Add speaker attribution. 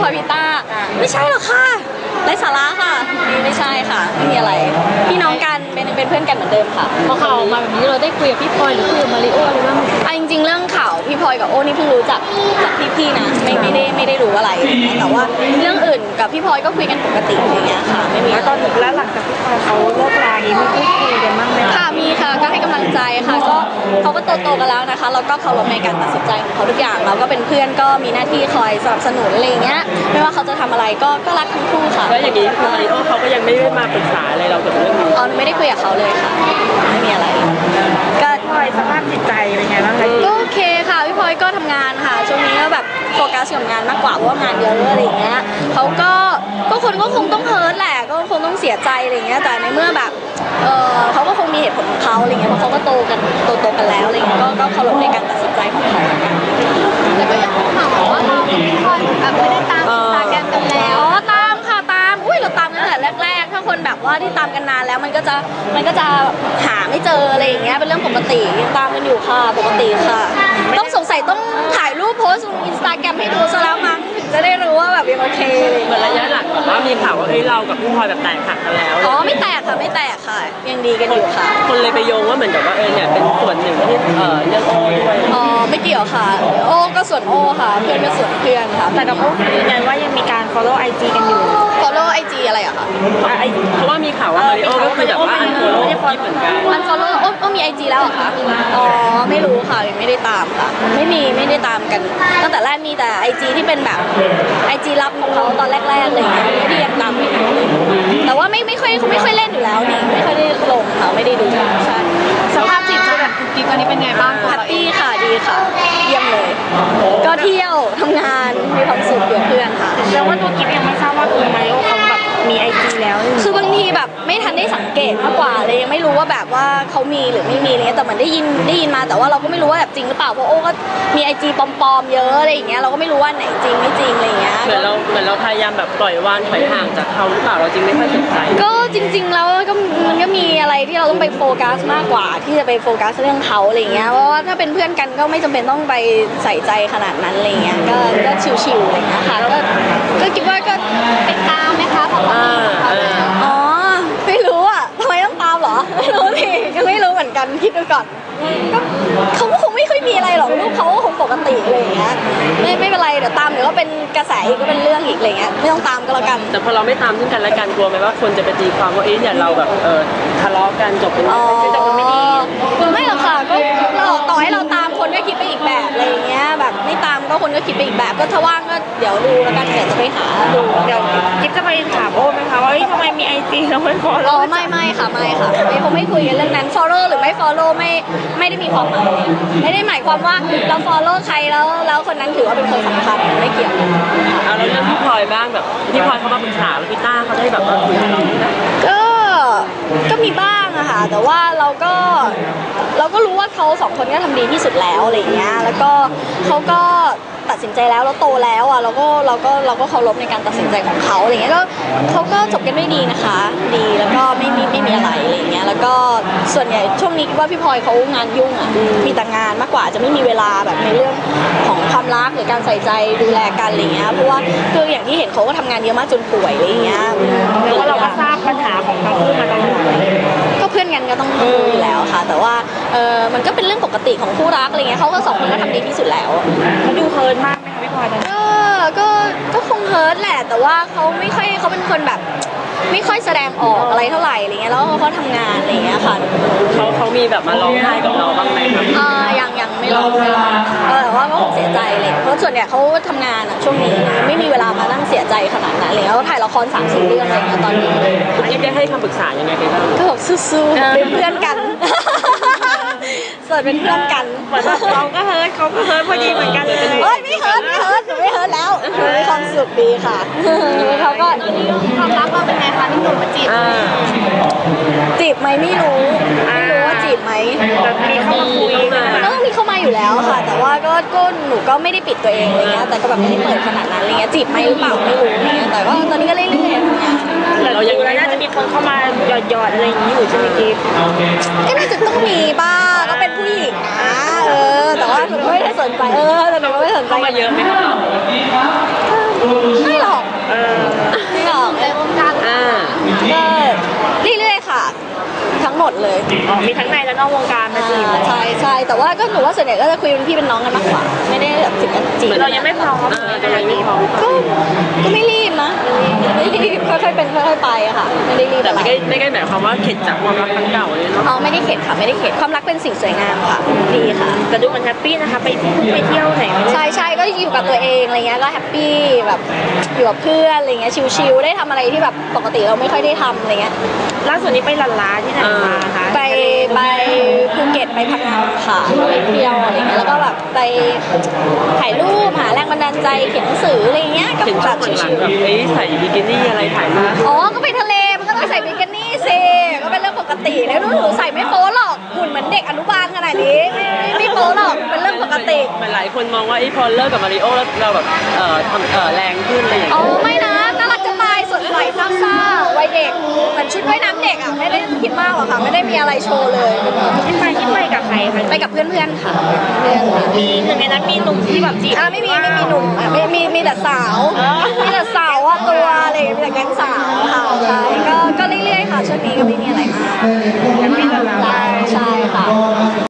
Speaker 1: พลอยพิต้าไม่ใช่หรอกค่ะไร้สาระค่ะไม่ใช่ค่ะไม่มีอะไรพี่น้องกันเป็นเพื่อนกันเหมือนเดิมค่ะ
Speaker 2: พอข่าวออกมาแบบนี้เราได้คุยกับพี่พลอยหรือคุยกับมาริโออะไรบ้าง
Speaker 1: จริงๆเรื่องข่าวพี่พลอยกับโอ้นี่เพิ่งรู้จากพี่ๆนะไม่ได้รู้อะไรแต่ว่าเรื่องอื่นกับพี่พลอยก็คุยกันปกติอย่างเงี้ยค่ะไม่มี
Speaker 3: แล้วตอนแล้วหลังจากพี่พลอยเขาเลิกลาอย่างนี้มีพูดคุยกันบ้างไหม
Speaker 1: ค่ะมีค่ะก็ให้กำลังใจค่ะก็เขาก็โตกันแล้วนะคะแล้วก็เคารพในการตัดสินใจของเขาทุกอย่างเราก็เป็นเพื่อนก็มีหน้าที่คอยสนับสนุนอะไรอย่างเงี้ยไม่ว่าเขาจะทำอะไรก็รักทั้งคู่ค่ะ
Speaker 4: แล้วอย่างนี้คือมาริโอเขาก็ยังไม่ได้มาปรึกษาอะไรเรากับเรื่องนี้
Speaker 1: ไม่ได้คุยกับเขาเลยค่ะไม่มีอะไร
Speaker 3: ก็พลอยสภาพจิตใจเป็นไงบ้างคะ
Speaker 1: ก็โอเคค่ะพี่พลอยก็ทำงานค่ะช่วงนี้ก็แบบโฟกัสกับงานมากกว่าเพราะว่างานเยอะอะไรอย่างเงี้ยเขาก็คนก็คงต้องเฮิร์ตแหละก็คงต้องเสียใจอะไรอย่างเงี้ยแต่ในเมื่อแบบเขาก็คงมีเหตุผลของเขาอะไรเงี้ยเพราะเขาก็โตกันแล้วอะไรเงี้ยก็เคารพในการตัดสินใจของเขา
Speaker 2: แต่ก็ยังมีข่าวว่าเรากับพี่พลอยแบบไม่ได้ตามอินสตาแกรมกันแล้ว
Speaker 1: ตามค่ะตามเราตามกันตั้งแต่แรกๆถ้าคนแบบว่าที่ตามกันนานแล้วมันก็จะหาไม่เจออะไรอย่างเงี้ยเป็นเรื่องปกติยังตามกันอยู่ค่ะปกติค่ะต้องสงสัยต้องถ่ายรูปโพสต์ลงอินสตาแกรมให้ดูซะแล้วมั้งถึงจะได้รู้ว่าแบบยังโอเค
Speaker 4: เหมือนระยะหลังแบบว่ามีข่าวว่าเรากับพี่พลอยแบบแตกหักกันแล้ว
Speaker 1: ไม่แตกค่ะยังดีกันอยู่ค่ะ
Speaker 4: คนเลยไปโยงว่าเหมือนกับว่าเนี่ยเป็นส่วนหนึ่งที่เรื่องโอ้ด้วย
Speaker 1: ไม่เกี่ยวค่ะโอ้ก็ส่วนโอ้ค่ะเพื่อนก็ส่วนเพื่อนค่ะ
Speaker 3: แต่กับโอ้ยืนยันว่ายังมีการ follow IG กันอยู่
Speaker 1: follow IG อะไรอะคะ
Speaker 4: เพราะว่ามีข่าวว่ามาริโอก็คือแบบว่าอันโฟโล่เหมือนกัน
Speaker 1: อันโฟโล่โอ้มี IG แล้วเหรอคะไม่รู้ค่ะยังไม่ได้ตามค่ะไม่ได้ตามกันตั้งแต่แรกมีแต่ IG ที่เป็นแบบ IG ลับของเขาตอนแรกๆเลยไม่ได้ยังตามเลยแต่ว่าไม่ค่อยเล่นอยู่แล้วนี่ไม่ค่อยได้ลงค่ะไม่ได้ดูใช่
Speaker 2: สภาพจิตใจแบบกุ๊กกิ๊กตอนนี้เป็นไงบ้าง
Speaker 1: แฮปปี้ค่ะดีค่ะเยี่ยมเลยก็เที่ยวทำงานมีความสุขอยู่เพื่อนค่ะ
Speaker 3: แล้วว่าตัวกิ๊บยังไม่ทราบว่าคือมาริโอเขาแบบมีIGแล้ว
Speaker 1: คือบางทีแบบไม่ทันได้สังเกตมากกว่าเลยยังไม่รู้ว่าแบบว่าเขามีหรือไม่มีอะไรเงี้ยแต่เหมือนได้ยินมาแต่ว่าเราก็ไม่รู้ว่าแบบจริงหรือเปล่าเพราะโอ้ก็มีIGปลอมๆเยอะอะไรอย่างเงี้ยเราก็ไม่รู้ว่าไหนจริงไม่จริงอะไรเงี้ย
Speaker 4: เหมือนเราพยายามแบบปล่อยวางถอยห่างจากเขาหรือเปล่าเราจริงไม่ค่อยสนใจ
Speaker 1: ก็จริงๆแล้วก็มันก็มีอะไรที่เราต้องไปโฟกัสมากกว่าที่จะไปโฟกัสเรื่องเขาอะไรเงี้ยเพราะว่าถ้าเป็นเพื่อนกันก็ไม่จำเป็นต้องไปใส่ใจขนาดนั้นอะไรเงี้ยก็ชิวๆอะไรเงี้ยค่ะก็คิดว่าก็
Speaker 2: ติดตามไหมคะพอ
Speaker 1: ไม่รู้อ่ะทำไมต้องตามเหรอไม่รู้สิยังไม่รู้เหมือนกันคิดดูก่อนก็เขาคงไม่ค่อยมีอะไรหรอกลูกเขาคงปกติอะไรอย่างเงี้ยไม่เป็นไรเดี๋ยวตามเดี๋ยวก็เป็นกระแสอีกก็เป็นเรื่องอีกอะไรเงี้ยไม่ต้องตามก็แล้วกัน
Speaker 4: แต่พอเราไม่ตามซึ่งกันและกันกลัวไหมว่าคนจะไปตีความว่าเนี่ยเราแบบทะเลาะกันจบเป็นไม่ดี
Speaker 1: ไม่หรอกค่ะก็เราต่อให้เราตามคนก็คิดไปอีกแบบอะไรอย่างเงี้ยแบบไม่ตามก็คนก็คิดไปอีกแบบก็ถ้าว่างก็เดี๋ยวดูแล้วกันเดี๋ยวจะไปหาดู
Speaker 3: เดี๋ยวกิ๊บจะไปถามโอ้ไหมคะว่าทำไมมี IG แล้วไม่ follow
Speaker 1: ไม่ค่ะคงไม่คุยกันเรื่องนั้น follow หรือไม่ follow ไม่ได้มีความหมายไม่ได้หมายความว่าเรา follow ใครแล้วคนนั้นถือว่าเป็นคนสำคัญไม่เกี่ยว
Speaker 4: แล้วเรื่องพี่พลอยบ้างแบบพี่พลอยเขามาปรึกษาแล้วพี่ต้าเขาได้แบบคุยกับเรา
Speaker 1: ก็มีบ้างอะค่ะแต่ว่าเราก็รู้ว่าเขาสองคนก็ทำดีที่สุดแล้วอะไรอย่างเงี้ยแล้วก็เขาก็ตัดสินใจแล้วเราโตแล้วอ่ะเราก็เคารพในการตัดสินใจของเขาอะไรเงี้ยก็เขาก็จบกันด้วยดีนะคะดีแล้วก็ไม่มีอะไรอะไรเงี้ยแล้วก็ส่วนใหญ่ช่วงนี้ว่าพี่พลอยเขางานยุ่งอ่ะมีแต่งานมากกว่าจะไม่มีเวลาแบบในเรื่องของความรักหรือการใส่ใจดูแลกันอะไรเงี้ยเพราะว่าคืออย่างที่เห็นเขาก็ทำงานเยอะมากจนป่วยอะไรเงี้ย
Speaker 3: แล้วก็เราก็ทราบปัญหาของทั้งคู่มาตลอด
Speaker 1: ก็เพื่อนกันก็ต้องดูอยู่แล้วค่ะแต่ว่ามันก็เป็นเรื่องปกติของคู่รักอะไรเงี้ยเขาก็สองคนก็ทำดีที่สุดแล้ว
Speaker 3: เขาดูเฮิร์ตมากไหมคะพี่พลอย
Speaker 1: ก็คงเฮิร์ตแหละแต่ว่าเขาเป็นคนแบบไม่ค่อยแสดงออกอะไรเท่าไหร่อะไรเงี้ยแล้วเขาทำงานอะไรเงี้ยค่ะ
Speaker 4: เขามีแบบมาร้องไห้กับเราบ้างไหมครับ
Speaker 1: ยังไม่ร้องแต่ว่าก็เสียใจเลยเพราะส่วนใหญ่เขาทำงานช่วงนี้ไม่มีเวลามานั่งเสียใจขนาดนั้นเลยเขาถ่ายละคร3-4 เรื่องอะไรเงี้ยตอนนี้
Speaker 4: คุณกิ๊บได้ให้คำปรึกษายังไงกันบ้าง
Speaker 1: ก็บอกสู้ๆเป็นเพื่อนกันส่วนเป็นเพื่อนกัน
Speaker 3: เราก็เฮิร์ตเขาก็เฮิร์ตพอดีเหมือนกันเลย
Speaker 1: ไม่เฮิร์ตหนูไม่เฮิร์ตแล้วมีความสุขดีค่ะเขาก็
Speaker 2: ตอนนี้ความรักเราเป็นไงคะที่หนูมาจีบ
Speaker 1: ไหมไม่รู้ว่าจีบไหม
Speaker 3: มีเข้ามาคุย
Speaker 1: ก็มีเข้ามาอยู่แล้วค่ะแต่ว่าก็หนูก็ไม่ได้ปิดตัวเองอะไรเงี้ยแต่ก็แบบไม่ได้เปิดขนาดนั้นอะไรเงี้ยจีบไหมหรือเปล่าไม่รู้อะไรเงี้ยแต่ว่าตอนนี้ก็เรื่อยๆทำงาน
Speaker 3: แต่เรายังน่าจะมีคนเข้ามาหยอดอะไรอย่างนี้อยู่ใช่ไหมกิ๊บ
Speaker 1: ก็น่าจะต้องมีบ้างก็เป็นผู้หญิงนะแต่ว่าหนูไม่ได้สนใจแต่หนูไม่สนใจ
Speaker 4: เข้ามาเยอะไหมคะ
Speaker 1: ไม่หรอก ไม่หรอก
Speaker 2: ในวงการ
Speaker 4: อ่า
Speaker 1: ก็เรื่อยๆค่ะ ทั้งหมดเลย
Speaker 3: อ๋อมีทั้งในและนอกวงการมาจีบ
Speaker 1: ใช่ใช่แต่ว่าก็หนูว่าส่วนใหญ่ก็จะคุยเป็นพี่เป็นน้องกันมากกว่า ไม่ได้แบบถึงกับจีบ
Speaker 3: เรายังไม่พร้อม
Speaker 4: จะไม่พร้อม
Speaker 1: ก็ไม่รีบนะไม่รีบค่อยๆเป็นค่อยๆไปอะค่ะ ไม่ได้รีบ
Speaker 4: แต่
Speaker 1: อะไร
Speaker 4: ไม่ได้หมายความว่าเข็ดจากความรักครั้งเก่าเลยเนาะ
Speaker 1: อ๋อไม่ได้เข็ดค่ะไม่ได้เข็ดความรักเป็นสิ่งสวยงามค่ะดีค่ะ
Speaker 3: แต่ดูมันแฮปปี้นะคะไปเที่ยวไหนไม่ได้
Speaker 1: ใช่ใช่ก็อยู่กับตัวเองอะไรเงี้ยก็แฮปปี้แบบอยู่กับเพื่อนอะไรเงี้ยชิลๆได้ทำอะไรที่แบบปกติเราไม่ค่อยได้ทำอะไรเงี้ย
Speaker 3: ล่าสุดนี้ไปลันลาที่ไหนมาคะ
Speaker 1: ไปภูเก็ตไปพังงาค่ะไปเที่ยวอะไรเงี้ยแล้วก็แบบไปถ่ายรูปหาแรงบันดาลใจเขียนหนังสืออะไรเงี้ยก็
Speaker 4: เห็น
Speaker 1: แบ
Speaker 4: ช่วง
Speaker 1: บ
Speaker 4: หลั
Speaker 1: ชิ
Speaker 4: ง
Speaker 1: ล
Speaker 4: ๆแบบใส่บิกินี่อะไรถ่ายรูป
Speaker 1: ๆอ๋อก็ไปทะเลมันก็ต้องใส่บิกินี่สิก็เป็นเรื่องปกติแล้วหนูใส่ไม่โป๊หรอกหุ่นเหมือนเด็กอนุบาลขนาดนี้ไม่โป๊หรอกเป็นเรื่องปกติ
Speaker 4: หลายคนมองว่าพอเลิกกับมาริโอแล้วเราแบบทำแรงขึ้นอะไรอย่าง
Speaker 1: อ๋อ
Speaker 4: เงี้ย
Speaker 1: ไม่นะน่ารักจะตายสดใสซ่าๆวัยเด็กเหมือนชุดว่ายน้ำเด็กอ่ะไม่ได้คิดมากหรอกค่ะไม่ได้มีอะไรโชว์เลย
Speaker 3: ที่ไปกับใครคะ
Speaker 1: ไปกับเพื่อนๆค่ะเพื่อนค่ะ
Speaker 3: มีหนึ่งในนั้นมีหนุ่มที่แบบจีบ
Speaker 1: ไม่มีหนุ่มอ่ะมีแต่สาวมีแต่สาวว่าตัวอะไรมีแต่แก๊งสาวค่ะใช่ก็เรื่อยๆค่ะช่วงนี้ก็ไม่มีอะไรมาก
Speaker 3: แฮปปี้ลันลา
Speaker 1: ใช่ค่ะ